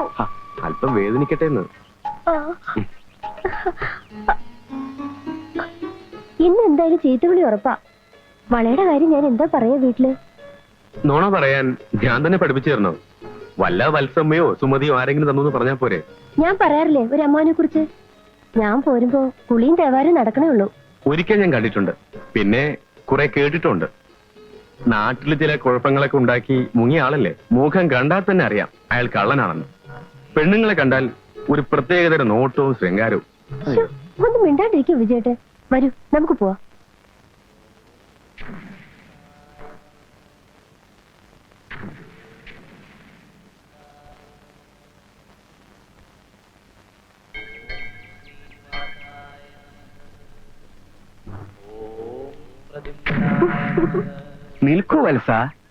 അല്പം വേദനിക്കട്ടെ എന്ന്. ഇന്ന് എന്തായാലും ചീത്തവിളി ഉറപ്പാ. വളയുടെ കാര്യം ഞാൻ എന്താ പറയാ വീട്ടില്? നോണ പറയാൻ ഞാൻ തന്നെ പഠിപ്പിച്ചു തരണോ? വല്ല വത്സമ്മയോ സുമതിയോ ആരെങ്കിലും തന്നു പറഞ്ഞാ പോരെ? ഞാൻ പറയാറില്ലേ ഒരു അമ്മാനെ കുറിച്ച്. ഞാൻ പോരുമ്പോ കുളിയും തേവാരും നടക്കണേ ഉള്ളൂ. ഒരിക്കൽ ഞാൻ കണ്ടിട്ടുണ്ട്, പിന്നെ കുറെ കേട്ടിട്ടുണ്ട്. നാട്ടില് ചില കുഴപ്പങ്ങളൊക്കെ ഉണ്ടാക്കി മുങ്ങിയ ആളല്ലേ. മുഖം കണ്ടാൽ തന്നെ അറിയാം അയാൾ കള്ളനാണെന്ന്. പെണ്ണുങ്ങളെ കണ്ടാൽ ഒരു പ്രത്യേകതര നോട്ടവും ശൃംഗാരവും. ഒന്ന് മിണ്ടാണ്ടിരിക്കും വിജയേട്ടെ. വരൂ നമുക്ക് പോവാം. നിൽക്കൂ വത്സ.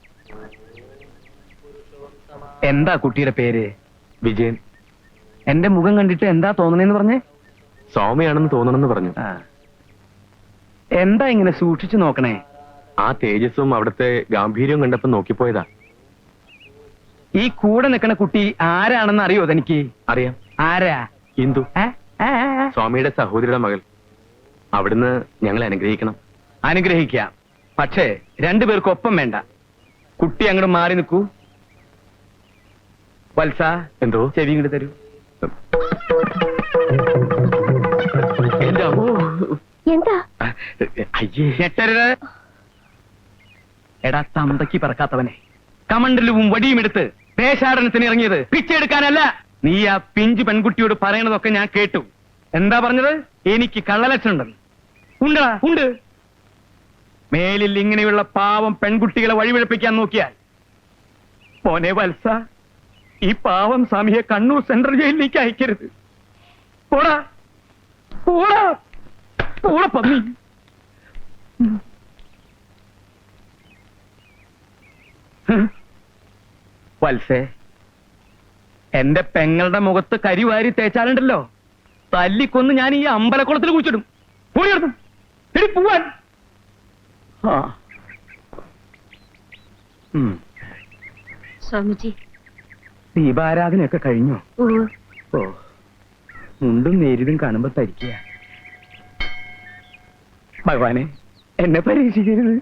എന്താ കുട്ടിയുടെ പേര്? വിജയൻ. എന്റെ മുഖം കണ്ടിട്ട് എന്താ തോന്നണേന്ന് പറഞ്ഞേ? സൗമ്യയാണെന്ന് തോന്നണമെന്ന് പറഞ്ഞു. എന്താ ഇങ്ങനെ സൂക്ഷിച്ചു നോക്കണേ? ആ തേജസ്സും അവിടുത്തെ ഗാംഭീര്യവും കണ്ടപ്പോ നോക്കിപ്പോയതാ. ഈ കൂടെ നിൽക്കണ കുട്ടി ആരാണെന്ന് അറിയോ തനിക്ക്? അറിയാം. ആരാ? ഇന്ദു, സ്വാമിയുടെ സഹോദരിയുടെ മകൾ. അവിടുന്ന് ഞങ്ങളെ അനുഗ്രഹിക്കണം. അനുഗ്രഹിക്കാം, പക്ഷേ രണ്ടുപേർക്കും ഒപ്പം വേണ്ട. കുട്ടി അങ്ങോട്ട് മാറി നിൽക്കൂ. വത്സ, എന്തോ? ചെവി ഇങ്ങോട്ട് തരൂ. എന്താ? അയ്യേ, ഞെട്ടരുത്. എടാ തന്തയ്ക്ക് പറക്കാത്തവനെ, കമണ്ടലും വടിയും എടുത്ത് ദേശാടനത്തിന് ഇറങ്ങിയത് പിച്ചെടുക്കാനല്ല. നീ ആ പിഞ്ചു പെൺകുട്ടിയോട് പറയണതൊക്കെ ഞാൻ കേട്ടു. എന്താ പറഞ്ഞത്? എനിക്ക് കള്ളലക്ഷണുണ്ടെന്ന്. ഉണ്ടടാ, ഉണ്ട്. മേലിൽ ഇങ്ങനെയുള്ള പാവം പെൺകുട്ടികളെ വഴിപിഴപ്പിക്കാൻ നോക്കിയാൽ പോനെ വത്സ, ഈ പാവം സ്വാമിയെ കണ്ണൂർ സെൻട്രൽ ജയിലിലേക്ക് അയക്കരുത്. പോടാ പോടാ പോടാ പന്നി. വത്സേ, എന്റെ പെങ്ങളുടെ മുഖത്ത് കരിവാരി തേച്ചാലുണ്ടല്ലോ, തല്ലിക്കൊന്ന് ഞാൻ ഈ അമ്പലക്കുളത്തിൽ കുഴിച്ചിടും. പോടിയെടുത്തു എടി പോവാൻ. സ്വാമിജി, ദീപാരാധനയൊക്കെ കഴിഞ്ഞോ? ഓ, മുണ്ടും നേരിതും കാണുമ്പോ തരിക്കുക. ഭഗവാനെ, എന്നെ പരീക്ഷിക്കരുത്.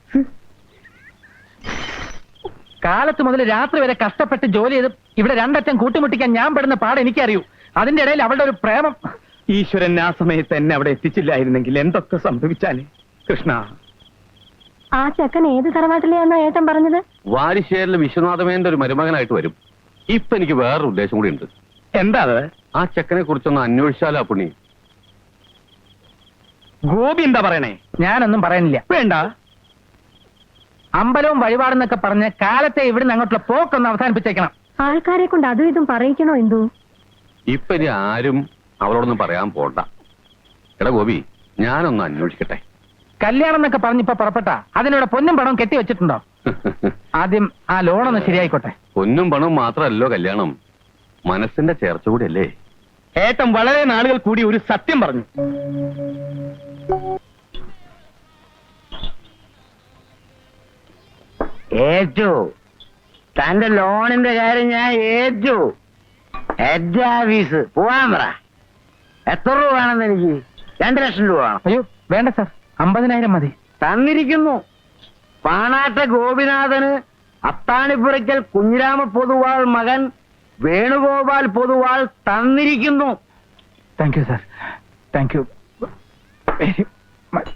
കാലത്ത് മുതൽ രാത്രി വരെ കഷ്ടപ്പെട്ട് ജോലി ചെയ്ത് ഇവിടെ രണ്ടറ്റം കൂട്ടിമുട്ടിക്കാൻ ഞാൻ പെടുന്ന പാട് എനിക്കറിയൂ. അതിന്റെ ഇടയിൽ അവളുടെ ഒരു പ്രേമം. ഈശ്വരൻ ആ സമയത്ത് എന്നെ അവിടെ എത്തിച്ചില്ലായിരുന്നെങ്കിൽ എന്തൊക്കെ സംഭവിച്ചാലേ. കൃഷ്ണ, ആ ചെക്കൻ ഏത് തറവാട്ടിലെയാണോ ഏട്ടൻ പറഞ്ഞത്? വാരിശ്ശേരിലെ വിശ്വനാഥമേന്റെ ഒരു മരുമകനായിട്ട് വരും. ഇപ്പൊ എനിക്ക് വേറൊരു ഉദ്ദേശം കൂടി ഉണ്ട്. എന്താ അത്? ആ ചെക്കനെ കുറിച്ചൊന്ന് അന്വേഷിച്ചാലോ പുണ്ണി? ഗോപി എന്താ പറയണേ? ഞാനൊന്നും പറയാനില്ല. വേണ്ട. അമ്പലവും വഴിപാടെന്നൊക്കെ പറഞ്ഞ് കാലത്തെ ഇവിടുന്ന് അങ്ങോട്ടുള്ള പോക്കൊന്ന് അവസാനിപ്പിച്ചേക്കണം. ആൾക്കാരെ കൊണ്ട് അതും ഇതും പറയിക്കണോ എന്തോ? ഇപ്പൊ ഇനി ആരും അവളോടൊന്നും പറയാൻ പോണ്ട. എടാ ഗോപി, ഞാനൊന്ന് അന്വേഷിക്കട്ടെ. കല്യാണം എന്നൊക്കെ പറഞ്ഞിപ്പോ പുറപ്പെട്ട അതിനോട് പൊന്നും പണവും കെട്ടി വെച്ചിട്ടുണ്ടോ? ആദ്യം ആ ലോണൊന്ന് ശരിയായിക്കോട്ടെ. പൊന്നും പണവും മാത്രമല്ലോ കല്യാണം, മനസ്സിന്റെ ചേർച്ച കൂടിയല്ലേ. ഏട്ടൻ വളരെ നാളുകൾ കൂടി ഒരു സത്യം പറഞ്ഞു. ഏറ്റു, തന്റെ ലോണിന്റെ കാര്യം ഞാൻ ഏറ്റു. ഹെഡ് ഓഫീസ് പോവാൻ പറ. എത്ര രൂപ വേണമെന്ന് എനിക്ക്? 2 ലക്ഷം രൂപ വേണം. അയ്യോ വേണ്ട സാർ, 50,000 മതി. തന്നിരിക്കുന്നു. പാണാട്ട ഗോപിനാഥന് അത്താണിപ്പുറയ്ക്കൽ കുഞ്ഞിരാമ പൊതുവാൾ മകൻ വേണുഗോപാൽ പൊതുവാൾ തന്നിരിക്കുന്നു. Thank you sir, thank you very much.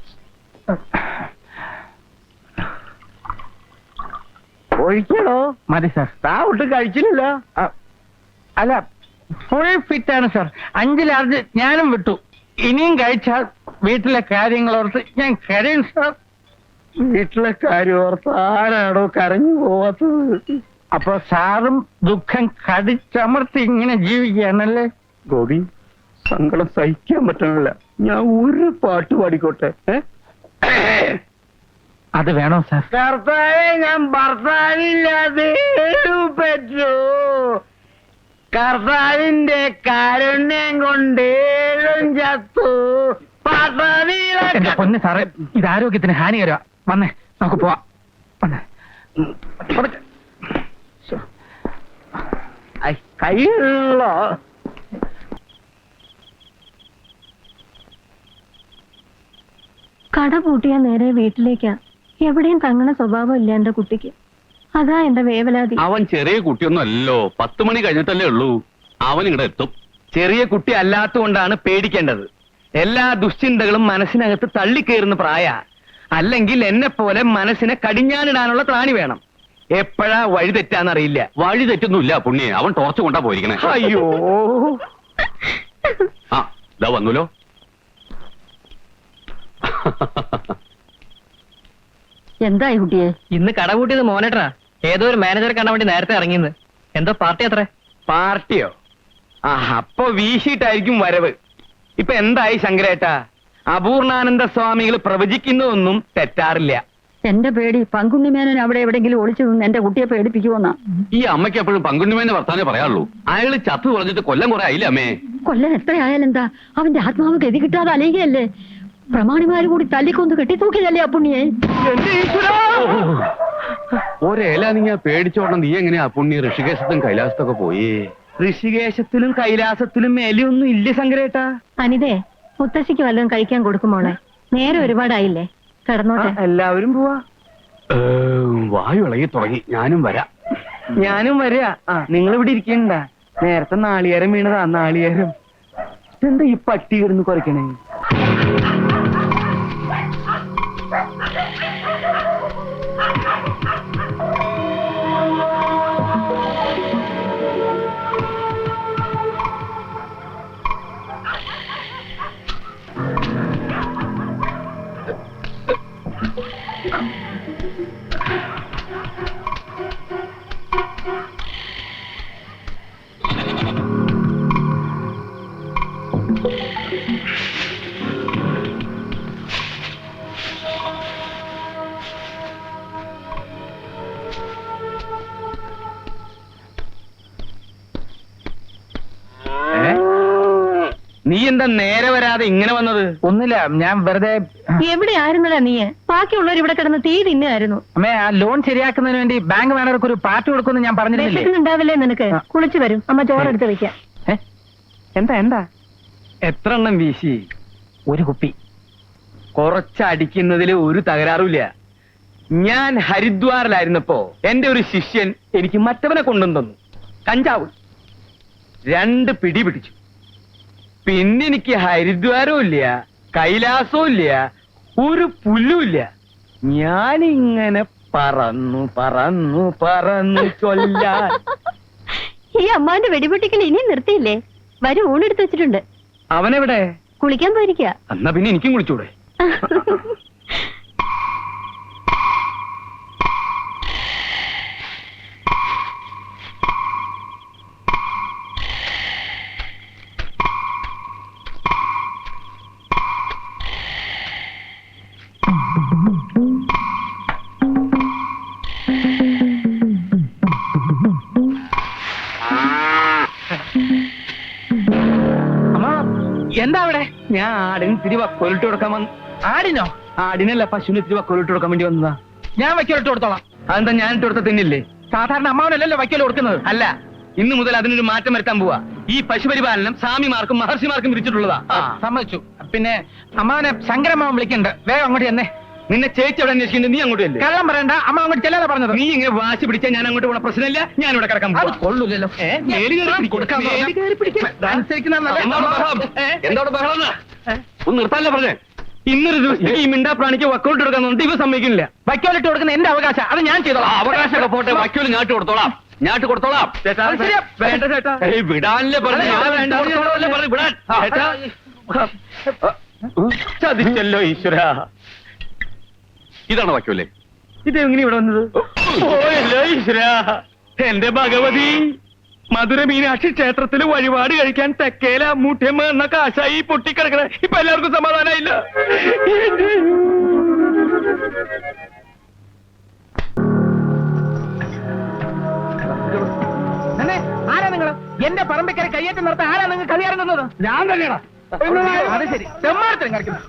ഒഴിക്കണോ? മതി സാർ. താ ഒട്ട് കഴിച്ചില്ലല്ലോ. അല്ല, ഫുൾ ഫിറ്റ് ആണ് സാർ. 5 ലാർജ് ഞാനും വിട്ടു. ഇനിയും കഴിച്ചാൽ വീട്ടിലെ കാര്യങ്ങളോർത്ത് ഞാൻ കരയും സാർ. വീട്ടിലെ കാര്യം ഓർത്ത് ആരാടോ കരഞ്ഞു പോവാത്തത്? അപ്പൊ സാറും ദുഃഖം കടിച്ചമർത്തി ഇങ്ങനെ ജീവിക്കുകയാണല്ലേ? ഗോപി, സങ്കടം സഹിക്കാൻ പറ്റണില്ല. ഞാൻ ഒരു പാട്ട് പാടിക്കോട്ടെ? അത് വേണോ സാർ? കർത്താവേ, ഞാൻ ഭർത്താവില്ലാതെ പറ്റൂ. കർത്താവിന്റെ കാരുണ്യം കൊണ്ടേഴും ചത്തു. എന്റെ പൊന്ന് സാറേ, ഇത് ആരോഗ്യത്തിന് ഹാനികരമാ. വന്നേ, നമുക്ക് പോവാം. വന്നേ. കയ്യിലോ കട പൂട്ടിയാ നേരെ വീട്ടിലേക്കാ. എവിടെയും തങ്ങണ സ്വഭാവം ഇല്ല എന്റെ കുട്ടിക്ക്. അതാ എന്റെ വേവലാതി. അവൻ ചെറിയ കുട്ടിയൊന്നും അല്ലല്ലോ, 10 മണി കഴിഞ്ഞിട്ടല്ലേ ഉള്ളൂ. അവൻ ഇങ്ങടെ എത്തും. ചെറിയ കുട്ടി അല്ലാത്തതുകൊണ്ടാണ് പേടിക്കേണ്ടത്. എല്ലാ ദുശ്ചിന്തകളും മനസ്സിനകത്ത് തള്ളിക്കയറുന്ന പ്രായ. അല്ലെങ്കിൽ എന്നെ പോലെ മനസ്സിനെ കടിഞ്ഞാനിടാനുള്ള ത്രാണി വേണം. എപ്പോഴാ വഴി തെറ്റാന്നറിയില്ല. വഴി തെറ്റൊന്നുമില്ല പുണ്യെ, അവൻ ടോർച്ച് കൊണ്ടാ പോയിരിക്കണേ. അയ്യോ, ആ ഇതാ വന്നല്ലോ. എന്തായി കുട്ടിയെ? ഇന്ന് കട കൂട്ടിയത് മോനേട്ടാ. ഏതോ ഒരു മാനേജറെ കാണാൻ വേണ്ടി നേരത്തെ ഇറങ്ങിയെന്ന്. എന്തോ പാർട്ടി അത്രേ. പാർട്ടിയോ? ആ, അപ്പൊ വീശിയിട്ടായിരിക്കും വരവ്. ഇപ്പൊ എന്തായി ശങ്കരേട്ടാ? അപൂർണാനന്ദ സ്വാമികൾ പ്രവചിക്കുന്നതൊന്നും തെറ്റാറില്ല. എന്റെ പേടി പങ്കുണ്ണിമേനോൻ അവിടെ എവിടെങ്കിലും ഒളിച്ചു നിന്ന് എന്റെ കുട്ടിയെ പേടിപ്പിക്കുമെന്നാ. ഈ അമ്മയ്ക്ക് എപ്പോഴും പങ്കുണ്ണിമേനെ വർത്താനേ പറയാറുള്ളൂ. അയാള് ചത്തു പറഞ്ഞിട്ട് കൊല്ലം കുറെ ആയില്ലേ അമ്മേ? കൊല്ലൻ എത്രയായാലെന്താ, അവന്റെ ആത്മാവ് ഗതി കിട്ടാതെ അലയുകയല്ലേ. പ്രമാണിമാര് കൂടി തല്ലിക്കൊന്ന് കെട്ടിത്തൂക്കിയതല്ലേ ആ പുണ്യെ. ഒരേല നീ പേടിച്ചോടണം. നീ എങ്ങനെയാ പുണ്യ ഋഷികേശത്തും കൈലാസത്തൊക്കെ പോയി? ഋഷികേശത്തിലും കൈലാസത്തിലും മേലെയൊന്നും ഇല്ല ശങ്കരേട്ടാ. അനിതേ, മുത്തശ്ശിക്ക് വല്ലതും കഴിക്കാൻ കൊടുക്കുമോളെ. നേരെ ഒരുപാടായില്ലേ, കിടന്നോട്ടെ. എല്ലാവരും പോവാ. വായു ഇളകി തുടങ്ങി. ഞാനും വരാം. ഞാനും വരിക. നിങ്ങൾ ഇവിടെ ഇരിക്കണ്ട. നേരത്തെ നാളികേരം വീണതാ. നാളികേരം എന്താ ഈ പട്ടി കിടന്ന് കുറയ്ക്കണേ? നീ എന്താ നേരെ വരാതെ ഇങ്ങനെ വന്നത്? ഒന്നുമില്ല, ഞാൻ വെറുതെ. എവിടെ ആയിരുന്നടാ നീ? ബാക്കിയുള്ളവർ ഇവിടെ കിടന്ന് തീ തിന്നായിരുന്നു. അമ്മേ, ആ ലോൺ ശരിയാക്കുന്നതിന് വേണ്ടി ബാങ്ക് മാനേജർക്ക് ഒരു പാർട്ടി കൊടുക്കുമെന്ന് ഞാൻ പറഞ്ഞിരുന്നില്ലേ? ഉണ്ടാവില്ലേ നിനക്ക്? കുളിച്ചു വരും, അമ്മ ചോറെടുത്ത് വെക്കാം. എന്താ എന്താ? എത്ര എണ്ണം വീശി? ഒരു കുപ്പി. കുറച്ചടിക്കുന്നതിൽ ഒരു തകരാറുമില്ല. ഞാൻ ഹരിദ്വാറിലായിരുന്നപ്പോ എന്റെ ഒരു ശിഷ്യൻ എനിക്ക് മറ്റവനെ കൊണ്ടുവന്നു തന്നു. കഞ്ചാവ് 2 പിടി പിടിച്ചു. പിന്നെ എനിക്ക് ഹരിദ്വാരവും ഇല്ല, കൈലാസവും ഇല്ല, ഒരു പുല്ലുമില്ല. ഞാനിങ്ങനെ പറന്നു പറന്നു പറന്നു ചൊല്ലാൻ. ഈ അമ്മാന്റെ വെടിപൊട്ടിക്കൽ ഇനിയും നിർത്തിയില്ലേ? വരും, ഊണെടുത്ത് വെച്ചിട്ടുണ്ട്. അവനെവിടെ? കുളിക്കാൻ പോയിരിക്കുക. എന്നാ പിന്നെ എനിക്കും കുളിച്ചൂടെ? എന്താ അവിടെ? ഞാൻ ആടിന് ഇത്തിരി വക്കോലിട്ട് കൊടുക്കാൻ വന്നു. ആടിനോ? ആടിനല്ല, പശുവിന് ഇത്തിരി വക്കോലിട്ട് കൊടുക്കാൻ വേണ്ടി വന്നതാ. ഞാൻ വയ്ക്കലിട്ട് കൊടുത്തോളാം. അതെന്താ ഞാൻ ഇട്ട് കൊടുത്ത തിന്നില്ലേ? സാധാരണ അമ്മാവനല്ലല്ലോ വയ്ക്കൽ കൊടുക്കുന്നത്. അല്ല, ഇന്നു മുതൽ അതിനൊരു മാറ്റം വരുത്താൻ പോവാ. ഈ പശുപരിപാലനം സ്വാമിമാർക്കും മഹർഷിമാർക്കും വിരിച്ചിട്ടുള്ളതാ. സമ്മതിച്ചു. പിന്നെ അമ്മാവനെ ശങ്കരമ്മാവൻ വിളിക്കണ്ട്. വേഗം അങ്ങോട്ട് ചെന്നേ. നിന്നെ ചേച്ചി അവിടെ അന്വേഷിക്കുന്നത്, നീ അങ്ങോട്ട് അല്ലേ? കള്ളം പറയണ്ട, അമ്മ അങ്ങോട്ട് ചെല്ലാതെ പറഞ്ഞത്. നീ ഇങ്ങനെ വാശി പിടിച്ചാൽ ഞാൻ അങ്ങോട്ട് പോണ പ്രശ്നമില്ല. ഞാൻ ഇവിടെ കിടക്കാൻ അത് കൊള്ളൂലല്ലോ. എന്തോടെ ബഹളം? ഒന്ന് നിർത്താനല്ലേ പറഞ്ഞേ? ഇന്നൊരു ദിവസം ഈ മിണ്ടാ പ്രാണിക്ക് വക്കോട്ട് എടുക്കാൻ നോക്കി ഇവ സമ്മതിക്കുന്നില്ല. വയ്ക്കോലിട്ട് കൊടുക്കുന്ന എന്റെ അവകാശം, അത് ഞാൻ ചെയ്തോളാം. അവകാശമൊക്കെ പോട്ടെ, വക്കോല് ഞാട്ട് കൊടുത്തോളാം. ഞാട്ട് കൊടുത്തോളാം. അത് ശരിയാ. വേണ്ട ചേട്ടാ. വിടാനല്ലേ പറഞ്ഞു? വിടാൻ ചതിച്ചല്ലോ ഈശ്വര. ഇതാണ് വക്കോലേ? ഇതെങ്ങനെ ഇവിടെ വന്നത്? ഓയല്ലോ ഈശ്വര. എന്റെ ഭഗവതി, മധുര മീനാക്ഷി ക്ഷേത്രത്തിൽ വഴിപാട് കഴിക്കാൻ തെക്കേല മൂട്ടയമ്മ എന്ന കാശായി പൊട്ടിക്കിടക്കണ. ഇപ്പൊ എല്ലാവർക്കും സമാധാനമായില്ല. ആരാ നിങ്ങള്? എന്റെ പറമ്പിക്കര കയ്യേറ്റം നടത്താൻ ആരാ നിങ്ങൾ കളിയാറ് നിന്നത്? ഞാൻ തന്നെയാ. അത് ശരി, തെമ്മാരത്തിനും കളിക്കുന്നു.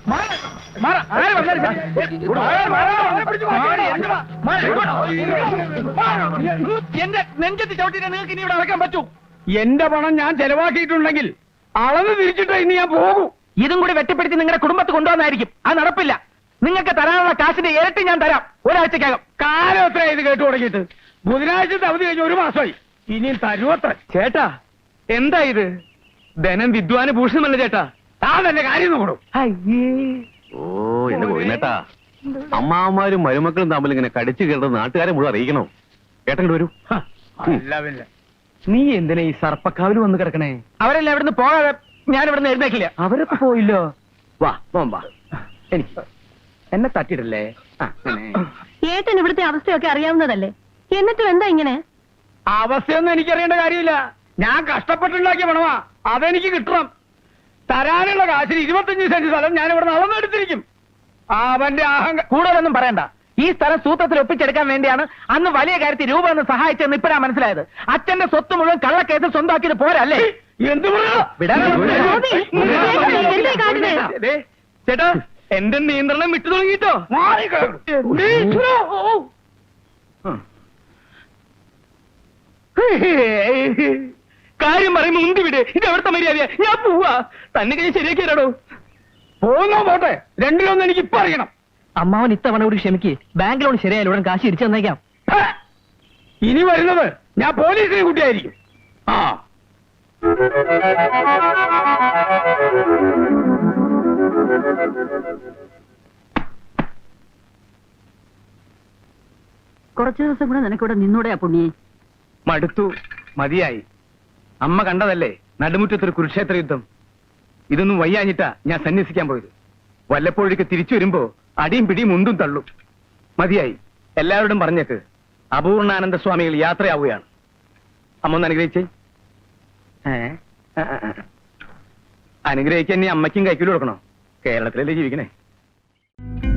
എന്റെ നെഞ്ചത്ത് ചവിട്ടിട്ട് നിങ്ങൾക്ക് ഇനി ഇവിടെ അടക്കാൻ പറ്റൂ? എന്റെ പണം ഞാൻ ചെലവാക്കിയിട്ടുണ്ടെങ്കിൽ അളന്ന് തിരിച്ചിട്ട് ഇനി ഞാൻ പോകും. ഇതും കൂടി വെട്ടിപ്പിടിച്ച് നിങ്ങളുടെ കുടുംബത്ത് കൊണ്ടുവന്നായിരിക്കും. അത് നടപ്പില്ല. നിങ്ങൾക്ക് തരാനുള്ള കാശിന്റെ ഇരട്ടി ഞാൻ തരാം ഒരാഴ്ചക്കകം. കാലം എത്ര ഇത് കേട്ടു തുടങ്ങിയിട്ട്? ബുധനാഴ്ചത്തെ അവധി കഴിഞ്ഞ് 1 മാസമായി. ഇനിയും തരുവത്ര. ചേട്ടാ എന്താ ഇത്? ധനം വിദ്വാന് ഭൂഷണമല്ല ചേട്ടാ. താതന്റെ കാര്യം നോക്കണം. ഓ എന്റെ ഗോവിന്ദേട്ടാ, അമ്മാവന്മാരും മരുമക്കളും തമ്മിൽ ഇങ്ങനെ കടിച്ചു കയറുന്നത് നാട്ടുകാരെ മുഴുവൻ അറിയിക്കണോ? ഏട്ടങ്ങോട്ട് വരൂ. അല്ല പിന്നെ നീ എന്തിനാ ഈ സർപ്പക്കാവിൽ വന്ന് കിടക്കണേ? അവരെല്ലാം ഇവിടുന്ന് പോകാതെ ഞാൻ ഇവിടുന്ന് എഴുന്നേക്കില്ല. അവരൊക്കെ പോയില്ലോ. വാ വാ എനിക്ക് എന്നെ തട്ടിയിടല്ലേ. ഏട്ടൻ ഇവിടുത്തെ അവസ്ഥയൊക്കെ അറിയാവുന്നതല്ലേ, എന്നിട്ടും എന്താ ഇങ്ങനെ? അവസ്ഥയൊന്നും എനിക്കറിയേണ്ട കാര്യമില്ല. ഞാൻ കഷ്ടപ്പെട്ടുണ്ടാക്കിയ പണമാ, അതെനിക്ക് കിട്ടണം. തരാനുള്ള കാശിന് 25 സെന്റ് സ്ഥലം ഞാൻ ഇവിടെ നടന്നെടുത്തിരിക്കും. അവന്റെ കൂടുതലൊന്നും പറയണ്ട. ഈ സ്ഥലം സൂത്രത്തിൽ ഒപ്പിച്ചെടുക്കാൻ വേണ്ടിയാണ് അന്ന് വലിയ കാര്യത്തിൽ രൂപ എന്ന് സഹായിച്ചെന്ന് ഇപ്പഴാ മനസ്സിലായത്. അച്ഛന്റെ സ്വത്ത് മുഴുവൻ കള്ളക്കേസിൽ സ്വന്തമാക്കിയത് പോരല്ലേ? എന്ത് ചേട്ടാ, എന്റെ നിയന്ത്രണം വിട്ടു തുടങ്ങിട്ടോ. കാര്യം പറയുമ്പോ ഉന്തി വിട്. ഇത് എവിടുത്തെ മര്യാദ? ഞാൻ പോവാ. തന്നെ കഴിഞ്ഞ് ശരിയാക്കിയാലോ? പോകുന്നോ പോട്ടെ, രണ്ടിലൊന്നും എനിക്ക് ഇപ്പൊ അറിയണം. അമ്മാവൻ ഇത്തവണ കൂടി ക്ഷമിക്ക്. ബാങ്ക് ലോൺ ശരിയായാലും ഉടൻ കാശ് തിരിച്ചു തന്നേക്കാം. ഇനി വരുന്നത് ഞാൻ പോലീസിനെ കുട്ടിയായിരിക്കും. ആ കുറച്ചു ദിവസം കൂടെ നിനക്കിവിടെ നിന്നൂടെയാ പുണ്യേ? മടുത്തു, മതിയായി. അമ്മ കണ്ടതല്ലേ നടുമുറ്റത്തൊരു കുരുക്ഷേത്ര യുദ്ധം. ഇതൊന്നും വയ്യാഞ്ഞിട്ടാ ഞാൻ സന്യസിക്കാൻ പോയത്. വല്ലപ്പോഴേക്ക് തിരിച്ചു വരുമ്പോ അടിയും പിടിയും ഉന്തും തള്ളും. മതിയായി. എല്ലാവരോടും പറഞ്ഞേക്ക് അപൂർണാനന്ദ സ്വാമികൾ യാത്രയാവുകയാണ്. അമ്മ ഒന്ന് അനുഗ്രഹിച്ചേ. അനുഗ്രഹിക്കാൻ നീ അമ്മയ്ക്കും കൈക്കൂലി കൊടുക്കണോ? കേരളത്തിലല്ലേ ജീവിക്കണേ.